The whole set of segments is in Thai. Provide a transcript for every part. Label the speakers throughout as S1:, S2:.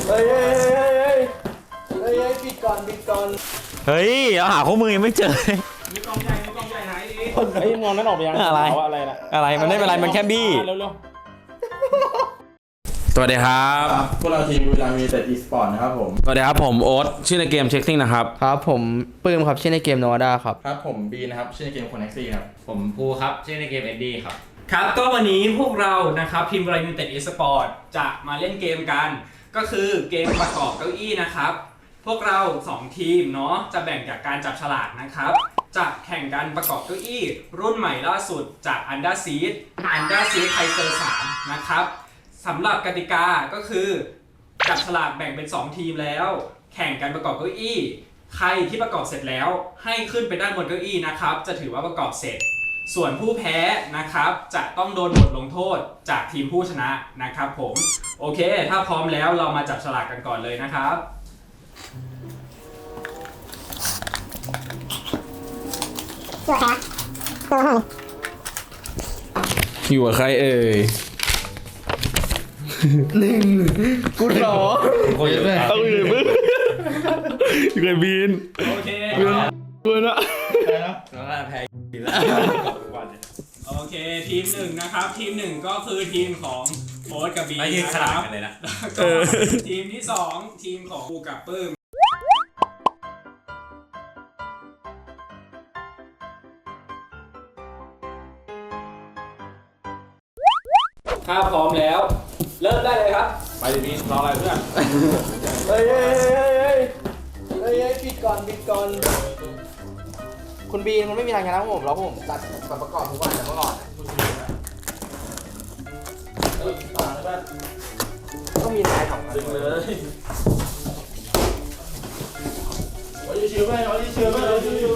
S1: เฮ้ยปิดก่อน
S2: เฮ้ยเอาหาข้อมือยังไม่เจอ
S3: มีกองใหญ่ไหนดิ
S1: เฮ้ยมองนั้นออกไปยัง
S2: อะไร
S1: อะไรนะ
S2: อะไรมันไม่เป็นไรมันแค่บี้
S1: เร็ว
S2: สวัสดีครับ
S4: พวกเราทีมบุรีรัมย์ยูไนเต็ดอีสปอร์ตนะครับผม
S2: สวัสดีครับผมโอ๊ตชื่อในเกมเช็คซิ่งนะครับ
S1: ครับผมปื้มครับชื่อในเกมโนด้าครับ
S4: ครับผมบีนะครับชื่อในเกมคอนเน็กซี่ครับ
S5: ผมภูครับชื่อในเกมเอ็ดดี้ครับ
S3: ครับก็วันนี้พวกเรานะครับทีมบริยูเต็ดอีสปอร์ตจะมาเล่นเกมกัน ก็คือเกมประกอบเก้าอี้นะครับพวกเรา2ทีมเนาะจะแบ่งจากการจับฉลากนะครับจะแข่งกันประกอบเก้าอี้รุ่นใหม่ล่าสุดจาก Under Seedไทเซอร์3นะครับสำหรับกติกาก็คือจับฉลากแบ่งเป็น2ทีมแล้วแข่งกันประกอบเก้าอี้ใครที่ประกอบเสร็จแล้วให้ขึ้นไปด้านบนเก้าอี้นะครับจะถือว่าประกอบเสร็จส่วนผู้แพ้นะครับจะต้องโดนบทลงโทษจากทีมผู้ชนะนะครับผมโอเคถ้าพร้อมแล้วเรามาจับฉลากกันก่อนเลยนะครับ
S2: อยู่กับใครเอ่ย
S1: กูหรอ
S2: ต้องอยู่มึงอยู่กับบีน
S3: โอเค
S2: ด้วยนะ
S3: โอเคทีม1นะครับทีม1ก็คือทีมของโอ๊ตกับบี
S5: ไม่ยืน
S3: นะ
S5: ข
S3: ค
S5: นาด
S3: รับ
S5: กันเลยนะ
S3: ทีมที่2ทีมของภูกับปื้มถ้าพร้อมแล้วเริ่มได้เลยครับ
S1: ไปดิบีรออะไรเพื่อนเฮ้ยปิดก่อนคุณบีนมันไม่มีทางชนะผมแล้วผมจัดประกอบทุกวันแต่เมื่อก่อนก็มีนายของมันเลยชิวๆไปชิวๆไป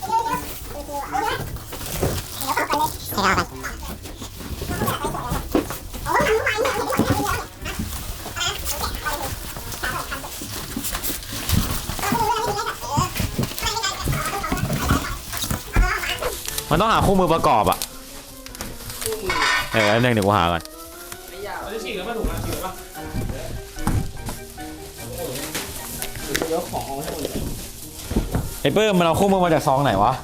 S2: มันต้องหาคู่มือประกอบอ่ะอันนึงเดี๋ยวกูหาก่อน
S3: เราจะฉีกแล้วมาถูกนะฉีกแล้วปะ
S1: เดี๋ยวของเอาให้หมดเลย
S2: ไอ้เปิ้มมันเอาคู่มือมาจากซองไหนวะ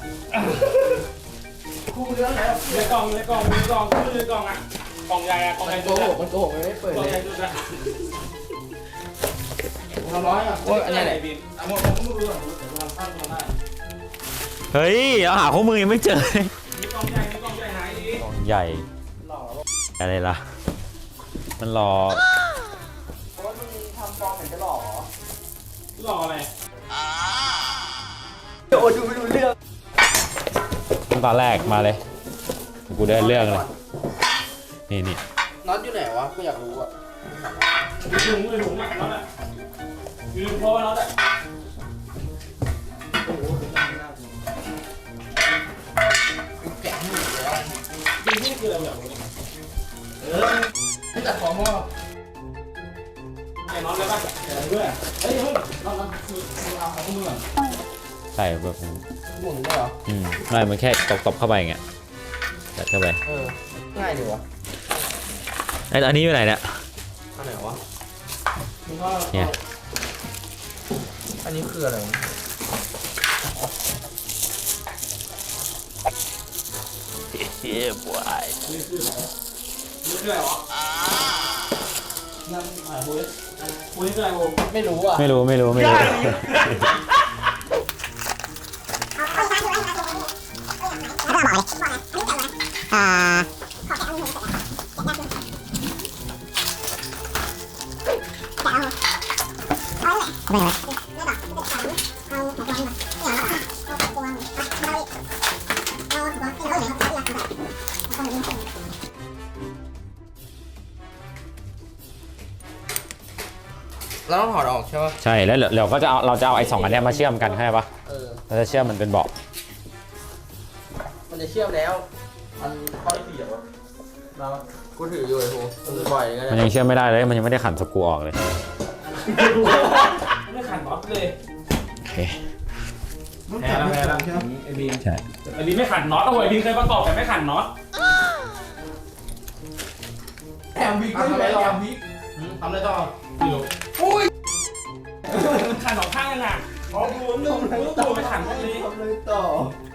S1: คู่เรื่องแล้ว
S3: ในกล่องอ่ะกล่องใหญ่อะกล่องใหญ่
S1: โกหกมันไม่เปิด
S3: กล่อง
S1: เล
S3: ใหญ่
S1: ย
S3: สุดนะ
S1: เราร้อยอ่ะโอ้ยอันนี้ไหน
S3: บิน
S1: หมดผมก็ไม่รู้อ่ะเดี๋ยวทำได้
S2: เฮ้ยเอาหาคู่มือยังไม่เจอ
S3: มีกล่องใหญ่ไหนดิ
S2: กองใหญ่
S1: หล่อแล้ว
S2: อะไรล่ะมันรอ
S1: เพราะว่ามึงทำฟอร์มเหมือนจะหล่อ
S3: หล่ออะไร
S1: โอ้ดูไม่รู้เรื่อง
S2: ตอนแรกมาเลยกูได้เรื่องเลยนี่
S1: น็อตอยู่ไหนวะกูอยากรู้อ่ะ
S3: ถุงมากันแล้วแหละยืนพอแล้วแหละ
S1: แกะให้หมดแล้ว
S3: ยืนนี่คืออะไรแบบนี้
S1: ไม่ตัดของพ่อ
S3: ไอ้น้องได้ป่ะแขนด้วย
S1: เฮ้ยเราคือเอาของมือก่อน
S2: ใส่แบบ
S1: หมุนได้เหรอ
S2: ไม่มันแค่ตบเข้าไปอย่างเงี้ยจัดเข้าไป
S1: ง่ายดีวะ
S2: อันนี้อยู่ไหนเนี่ย
S1: อันไหนวะ
S2: เนี่ย
S1: อันนี้คืออะไร
S2: เฮ้ยบวย
S3: นี่คืออะไรวะนั่นอ่ะคุยนี่คืออะไรผม
S1: ไม่รู้อ่ะ
S2: ไม่รู้
S1: เราต้องถอดออกใช่ป่ะ
S2: ใช่แล้วเราก็จะเอาไอ้สองอันเนี้ยมาเชื่อมกันใช่ปะเราจะเชื่อมมันเป็นเบาะ
S1: มันจะเชื่อมแล้วมันข้อที่สี่อ่ะเรากูถืออยู่ไอ้โหบ่อยกัน
S2: มันยังเชื่อมไม่ได้เลยมันยังไม่ได้ขันสกรูออกเลย
S3: ไม่ขันน็อตเลย
S2: โอเค
S3: แพ้แล้วไอ้บีม
S2: ใช่
S3: ไอ้บีมไม่ขันน็อตเอาไว้บีมเคยประกอบแต่ไม่ขันน็อต
S1: แถมบิ๊กไม่ไหวแถมบิ๊กทำอะไรต่อ
S3: อยู่
S1: อุ้ย
S3: ขันสองข้างยังอ่ะอ๋อดูนึงดูไปขันตรงนี้
S1: ทำเลยต่อ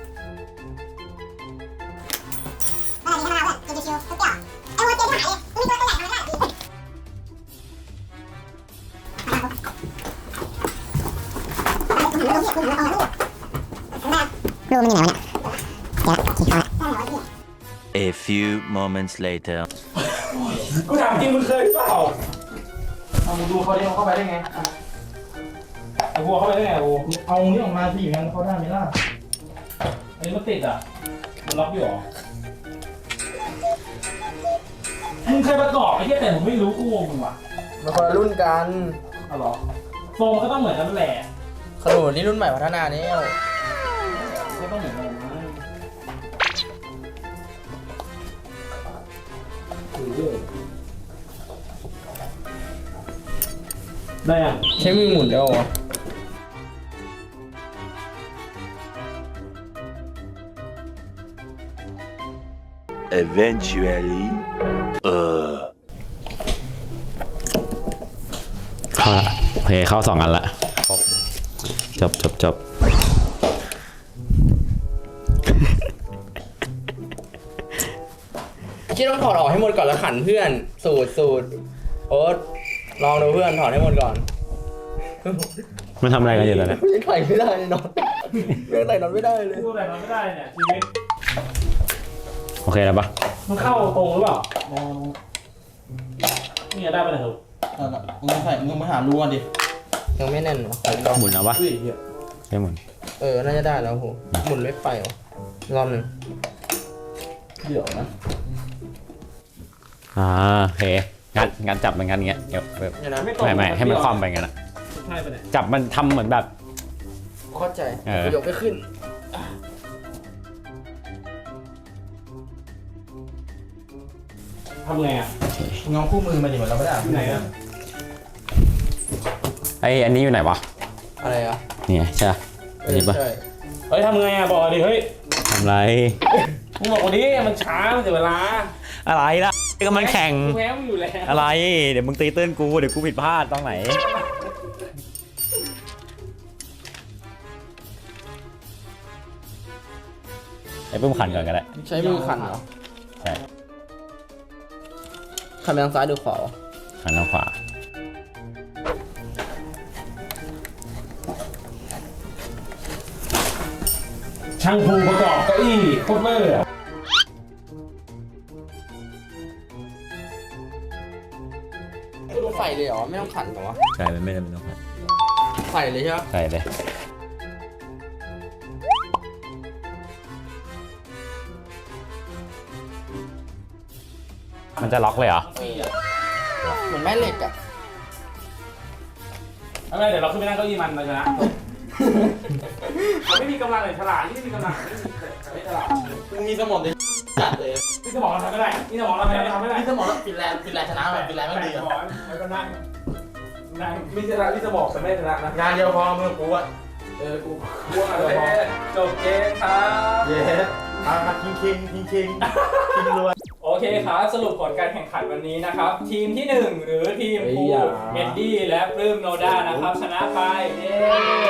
S6: A few moments later.
S3: กูถามจริงมึงเคยเปล่า
S1: เอามึงดูเขาดิเขาเข้าไปได้ไง
S3: ไอ้วัวเข้าไปได้ไงวัว
S1: เอานี่ออกมาสิอย่างนั้นเขาได้ไหมล่ะ
S3: อันนี้มันติดอ่ะมันล็อกอยู่หรอมึงเคยประกอบไอ้เหี้ยแต่ผมไม่รู้กูงงมึงว่ะ
S1: มันคนละรุ่นกัน
S3: อ๋อเหรอทรงมันก็ต้องเหมือนกันแหละ
S1: ขนุนนี่รุ่นใหม่พัฒนาแล้ว
S3: ก็ต้องเหมือนกันนะได้อ่ะ
S1: ใช้มือหมุนได้หรอ
S6: Eventually.
S2: เข้าละโอเคเข้า2 อันละจบ
S1: คิดต้องถอดออกให้หมดก่อนแล้วขันเพื่อนสูตรโอ๊ตลองดูเพื่อนถอดให้หมดก่อน
S2: มันทำอะไรกันอยู่ตอนนี้
S1: ยังใส่ไม่ได้เลยนอนยังใส่นอนไม่ได้เลย
S3: พูดอะไรมันไม่ได้เนี่ยชีวิต
S2: โอเคแล้วปะ
S3: มันเข้าตรงหรือเปล่านี่ได้ปะเนี่ยลูก
S1: มึงมาหารู้กันดิยังไม่แน่นหรอ
S2: หมุนเอาปะใช่หมุน
S1: น่าจะได้แล้วโหหมุนไม่ไปหรอรอบหนึ่งเดี๋ยวนะ
S2: โอเคงั้นจับมันงั้นเงี้ยเดี๋ยวแบบ
S1: เดี๋ยวนะ
S2: ไม่ให้มันคว่ำไปงั้นอะ
S3: ใช่ปะเนี่ย
S2: จับมันทำเหมือนแบบ
S1: เข้าใจ
S2: เออ
S1: ยกไม่ขึ้น
S3: ทำไงอ่ะ
S1: งอคู่มือมาดิเหมือนเราไม่ได้
S3: ที่ไหนอ่ะ
S2: อันนี้อยู่ไหนวะ
S1: อะไรอ่ะ
S2: นี่ไงใช่ปะอันนี้ปะ
S1: ใช่
S3: เฮ้ยทำไงอ่ะบอกดิเฮ้ย
S2: ทำไร
S3: มึงบอกวันนี้มันช้ามันเสียเวลา
S2: อะไรล่ะก็มันแข่ง
S3: กูแพ้มึงอยู่แล้ว
S2: อะไรเดี๋ยวมึงตีตื้นกูเดี๋ยวกูผิดพลาดตรงไหนไอ้ปุ้มขันก่อนก็ได้
S1: ใช้มือขันเหรอ
S2: ใช่
S1: ขันไปทางซ้ายหรือขวาวะ
S2: ขันทางขวา
S3: ช่างภูประกอบเก้าอี้โคตรเวอร์อ่ะ
S1: ใส่เลยเหรอไม่ต้องขันเหรอวะ
S2: ใช่มันไม่จำเป็นต้องขัน
S1: ใส่เลยใช่ปะ
S2: ใส่เลยมันจะล็อกเลยเหรอ
S1: เหมือนแม่เหล็กอ่ะ
S3: เอาไงเดี๋ยวเราขึ้นไปนั่งเก้าอี้มันเราชนะไม่มีกำลังเลยฉลาดไม่มีกำลังไม่ฉลาด
S1: มึงมีสมองดิจัดเลย
S3: นี่สมองเราทำไม่ได้นี่สมองเราทำไม่ได้
S1: มีสมองแล้วฟินแลนด์ชนะแบบฟินแลนด์ไม่ดี
S3: ส
S1: อ่ะ
S3: มองแล้วก็นั่งมีชนะที่สมองแต่ไม่ชนะนะ
S1: งานเดียวพอมือกูอ่ะ
S3: กูว่าอะไรจบเกมครับ
S1: เย้มาคิงรวย
S3: โอเคครับสรุปผลการแข่งขันวันนี้นะครับ ทีมที่ 1 หรือทีมภูเอ็ดดี้และปลื้มโนด้านะครับชนะไปเย้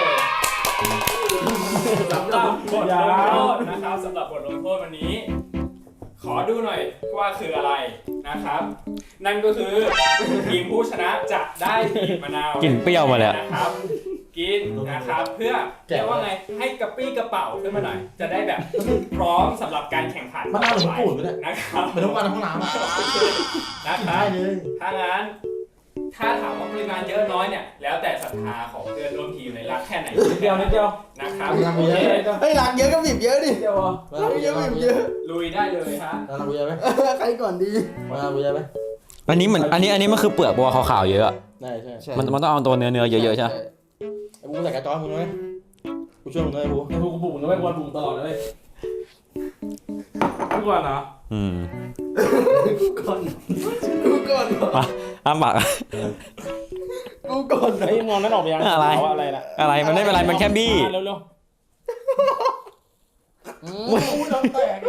S3: สำหรับบทลงโทษนะครับสำหรับบทลงโทษวันนี้ ขอดูหน่อยว่าคืออะไรนะครับ นั่นก็คือทีมผู้ชนะจะได้บีบมะนาว
S2: กลิ่นเปรี้ยวมาเลยอะ
S3: นะครับกินนะครับเพื่อเรียกว่าไงให้กระปี้กระเป๋าขึ้นมาหน่อย จะได้แบบพร้อมสำหรับการแข่งขัน
S1: มันน่าหลงปูดไปเลย
S3: นะครับ
S1: เป็นทุกวันในห้องน้ำอ่ะ
S3: นะครับถ้างั้นถ้าถามว่าปริมาณเยอะน้อยเนี่ยแล้วแต่ศรัทธาของเพื่อนร่วมทีมเลยรักแค่ไหนนิดเดียวนะครับโอเค
S1: เฮ้ยหลังเยอะก็บีบเยอะดิ
S3: เดียว
S1: หลังเยอะบีบเยอะ
S3: ลุยได้เลยฮะ
S1: หลังกูเยอะไหมใครก่อนดีหลังกูเยอะไหม
S2: อันนี้เหมือนอันนี้มันคือเปลือกบัวขาวๆเยอะอะ
S1: ใช่
S2: มันต้องเอาตัวเนื้อเยอะๆใช่ไหม
S1: ไอ้บูใส่กระจอยมึงไหมกูช่วยมึงด้วยไอ้บู
S3: ไอ้พวกกูบุกนะไม่ควรบุกตลอดเลยทุกวันเหรอ
S1: กูก่อน
S2: อ้ามปาก
S1: กูก่อน
S3: ไอ้มองนั่นออกไปยัง
S2: อะไร
S3: อะไรล่ะ
S2: อะไรมันไม่เป็นไรมันแค่บี้
S3: เร็ว
S1: กูน้ำแตก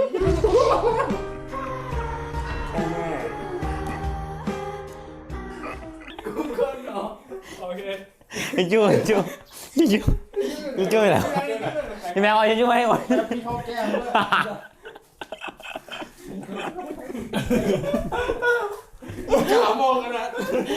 S3: กูก่อนเหรอโอเค
S2: พี่จู้พี่จู้พี่จู้พี่จู้เหรอพี่แม่เอาพี่จู้ให้หมด
S1: พี่เข้าแก้มด้วย ขามองกันนะ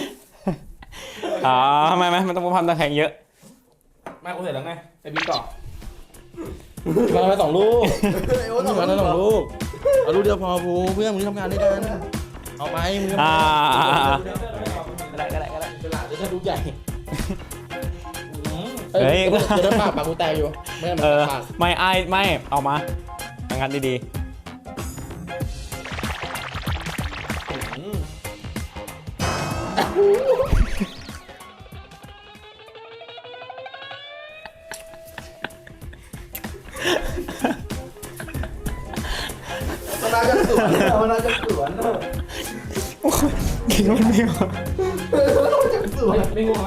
S2: ทำไมมันต้องพันตะแคงเยอะ
S3: มากูเสร็จแล้วไงไปบินต่อ
S4: มาไป2 ลูก
S1: ไอ้โอ๊ต
S4: มาได้2 ลูกเอาลูกเดียวพอภูเพื่อนมึงทำงานด้วยกันเอาไปมึงทำงาน
S2: ก็ได้
S4: เป็นหลานจะได้ลูกใหญ่
S2: เฮ้ย
S4: จะได้ปากกูแตกอยู่ไม่งั้นมัน ปาก
S2: ไม่เอามาทำงานดี
S1: มันน่าจะสวนมันน่าจะสวน
S2: ๆกินมันไม่ออก
S3: ไม่ง่วงละ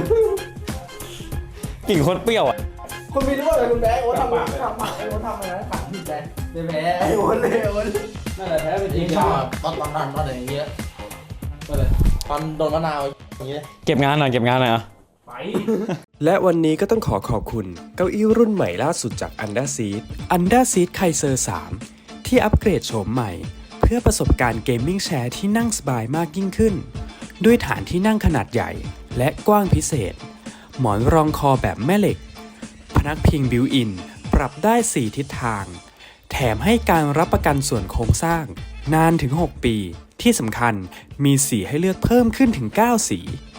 S2: กลิ่นโคตรเปรี้ยวอ่ะ
S1: คุณมีรู้ว่าอะไรคุณแบ๊โอ๊ตทำไอ้โอ๊ตทำอะไรนะขังผิดแบ๊เลยแพ้ไอ้โอ๊ตเลยโอ๊ต
S3: นั่นแหละแพ้ไปจ
S4: จ
S3: ริ
S4: ริ
S3: ง
S4: งชอบตอนอย่างเงี้ยตอนโดนมะนาวอย่างเงี้ย
S2: เก็บงานหน่อยอ่ะ
S3: ไป
S7: และวันนี้ก็ต้องขอบคุณเก้าอี้รุ่นใหม่ล่าสุดจาก Under Seat Kaiser 3 ที่อัปเกรดโฉมใหม่ เพื่อประสบการณ์เกมมิ่งแชร์ที่นั่งสบายมากยิ่งขึ้น ด้วยฐานที่นั่งขนาดใหญ่และกว้างพิเศษ หมอนรองคอแบบแม่เหล็ก พนักพิงบิวอิน ปรับได้ 4 ทิศทาง แถมให้การรับประกันส่วนโครงสร้าง นานถึง 6 ปี ที่สำคัญมีสีให้เลือกเพิ่มขึ้นถึง 9 สี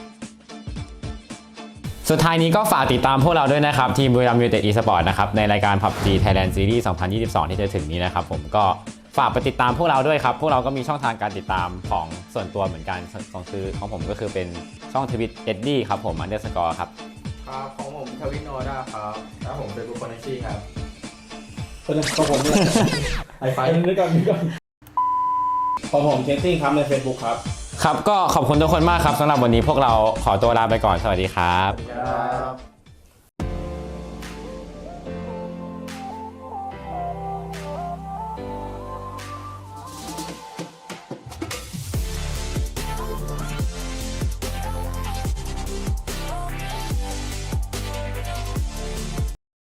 S2: สุดท้ายนี้ก็ฝากติดตามพวกเราด้วยนะครับ ทีมบุรีรัมย์ยูไนเต็ดอีสปอร์ตนะครับ ในรายการ PUBG Thailand Series 2022 ที่จะถึงนี้นะครับผมก็ฝากไปติดตามพวกเราด้วยครับ พวกเราก็มีช่องทางการติดตามของส่วนตัวเหมือนกันของผมก็คือเป็นช่องทวิตเอ็ดดี้ครับผม_ครับ
S1: ครับของผมทวินโนด้าครับ
S4: ครับผมเป็นบุคคลแท็กซี่ครับ
S3: ของผมเนี่ย
S4: ไอไฟ
S3: นึกก่อนของผมเจสซี่ครับใน Facebook ครับ
S2: ครับก็ขอบคุณทุกคนมากครับสำหรับวันนี้พวกเราขอตัวลาไปก่อนสวัสดีครับ
S1: ครับ